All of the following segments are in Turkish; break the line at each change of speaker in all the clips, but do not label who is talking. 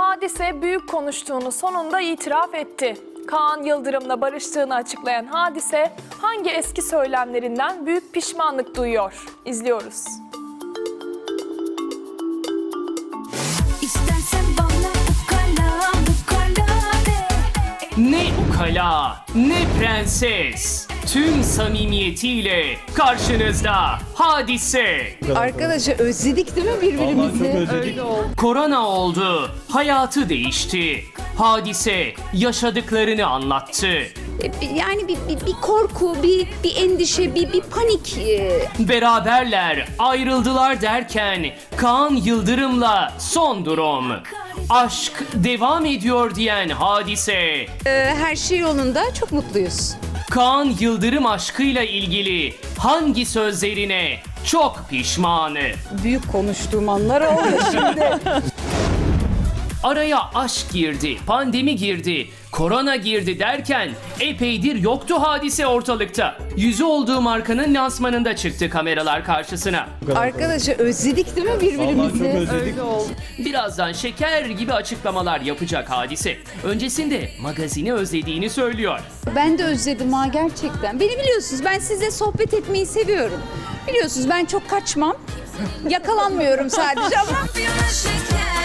Hadise büyük konuştuğunu sonunda itiraf etti. Kaan Yıldırım'la barıştığını açıklayan Hadise hangi eski söylemlerinden büyük pişmanlık duyuyor? İzliyoruz.
İstersen bana ukala de.
Ne ukala, ne prenses. Tüm samimiyetiyle karşınızda Hadise.
Arkadaşlar özledik değil mi birbirimizi?
Korona oldu, hayatı değişti. Hadise yaşadıklarını anlattı.
Yani bir korku, bir endişe, bir panik.
Beraberler, ayrıldılar derken Kaan Yıldırım'la son durum. Aşk devam ediyor diyen Hadise.
Her şey yolunda, çok mutluyuz.
Kaan Yıldırım aşkıyla ilgili hangi sözlerine çok pişmanı?
Büyük konuştuğum anlar oldu şimdi.
Araya aşk girdi, pandemi girdi, korona girdi derken epeydir yoktu Hadise ortalıkta. Yüzü olduğu markanın lansmanında çıktı kameralar karşısına.
Arkadaşlar özledik değil mi birbirimizi?
Birazdan şeker gibi açıklamalar yapacak Hadise. Öncesinde magazini özlediğini söylüyor.
Ben de özledim ha gerçekten. Beni biliyorsunuz, ben sizle sohbet etmeyi seviyorum. Biliyorsunuz ben çok kaçmam. Yakalanmıyorum sadece ama.
Şampiyona şeker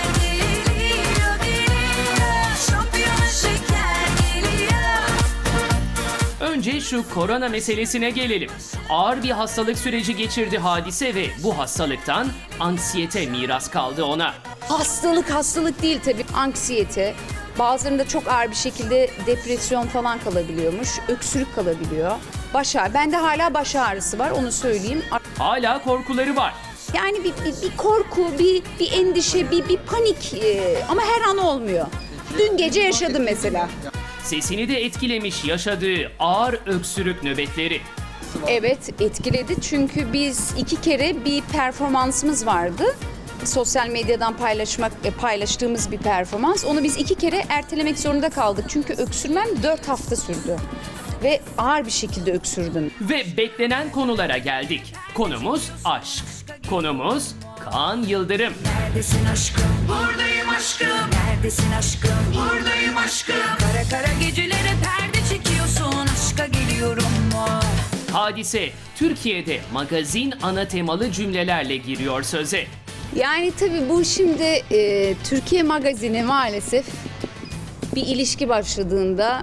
geliyor. Şampiyona şeker geliyor.
Önce şu korona meselesine gelelim. Ağır bir hastalık süreci geçirdi Hadise ve bu hastalıktan anksiyete miras kaldı ona.
Hastalık değil tabii. Anksiyete. Bazılarında çok ağır bir şekilde depresyon falan kalabiliyormuş. Öksürük kalabiliyor. Baş ağrı. Bende hala baş ağrısı var, onu söyleyeyim.
Hala korkuları var.
Yani bir korku, bir endişe, bir panik ama her an olmuyor. Dün gece yaşadım mesela.
Sesini de etkilemiş yaşadığı ağır öksürük nöbetleri.
Evet, etkiledi çünkü biz 2 kere bir performansımız vardı. Sosyal medyadan paylaştığımız bir performans. Onu biz 2 kere ertelemek zorunda kaldık. Çünkü öksürmem 4 hafta sürdü. Ve ağır bir şekilde öksürdüm.
Ve beklenen konulara geldik. Konumuz aşk. Konumuz Kaan Yıldırım.
Neredesin aşkım? Buradayım aşkım. Neredesin aşkım? Buradayım aşkım. Kara kara gecelere perde çekiyorsun. Aşka geliyorum mu?
Hadise Türkiye'de magazin ana temalı cümlelerle giriyor söze.
Yani tabii bu şimdi Türkiye Magazini maalesef bir ilişki başladığında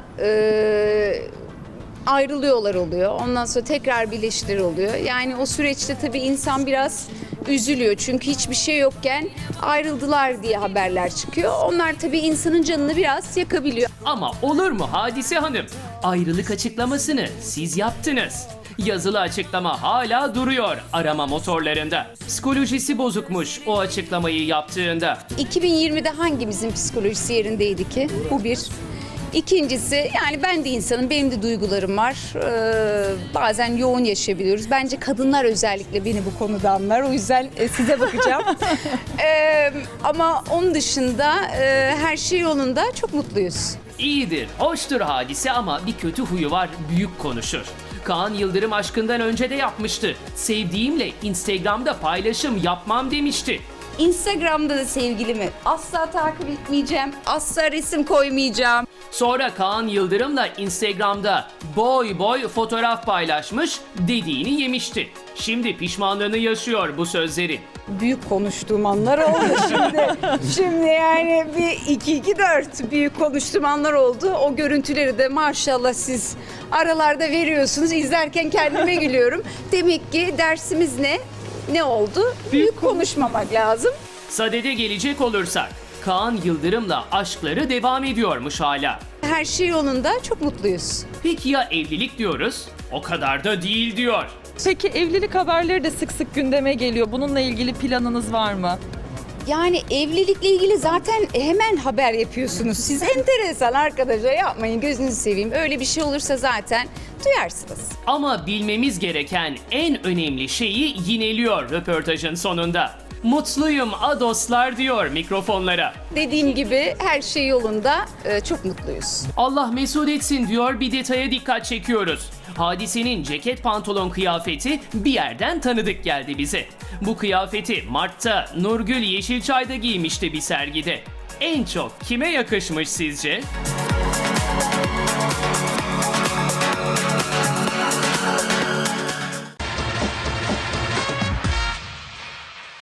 ayrılıyorlar oluyor. Ondan sonra tekrar birleştir oluyor. Yani o süreçte tabii insan biraz üzülüyor. Çünkü hiçbir şey yokken ayrıldılar diye haberler çıkıyor. Onlar tabii insanın canını biraz yakabiliyor.
Ama olur mu Hadise Hanım? Ayrılık açıklamasını siz yaptınız. Yazılı açıklama hala duruyor arama motorlarında. Psikolojisi bozukmuş o açıklamayı yaptığında.
2020'de hangimizin psikolojisi yerindeydi ki? Bu bir. İkincisi, yani ben de insanım, benim de duygularım var. Bazen yoğun yaşayabiliyoruz. Bence kadınlar özellikle beni bu konuda anlar. O yüzden size bakacağım. Ama onun dışında her şey yolunda, çok mutluyuz.
İyidir, hoştur Hadise ama bir kötü huyu var, büyük konuşur. Kaan Yıldırım aşkından önce de yapmıştı. Sevdiğimle Instagram'da paylaşım yapmam demişti.
Instagram'da da sevgilimi asla takip etmeyeceğim. Asla resim koymayacağım.
Sonra Kaan Yıldırım'la Instagram'da boy boy fotoğraf paylaşmış, dediğini yemişti. Şimdi pişmanlığını yaşıyor bu sözlerin.
Büyük konuştuğum anlar oldu şimdi. Şimdi yani bir 2-2-4 büyük konuştuğum anlar oldu. O görüntüleri de maşallah siz aralarda veriyorsunuz. İzlerken kendime gülüyorum. Demek ki dersimiz ne? Ne oldu? Büyük konuşmamak lazım.
Sadede gelecek olursak, Kaan Yıldırım'la aşkları devam ediyormuş hala.
Her şey yolunda, çok mutluyuz.
Peki ya evlilik diyoruz? O kadar da değil diyor.
Peki evlilik haberleri de sık sık gündeme geliyor. Bununla ilgili planınız var mı?
Yani evlilikle ilgili zaten hemen haber yapıyorsunuz. Siz enteresan arkadaşlar, yapmayın, gözünüzü seveyim. Öyle bir şey olursa zaten duyarsınız.
Ama bilmemiz gereken en önemli şeyi yineliyor röportajın sonunda. Mutluyum a dostlar diyor mikrofonlara.
Dediğim gibi her şey yolunda, çok mutluyuz.
Allah mesut etsin diyor, bir detaya dikkat çekiyoruz. Hadise'nin ceket pantolon kıyafeti bir yerden tanıdık geldi bize. Bu kıyafeti Mart'ta Nurgül Yeşilçay'da giymişti bir sergide. en çok kime yakışmış sizce?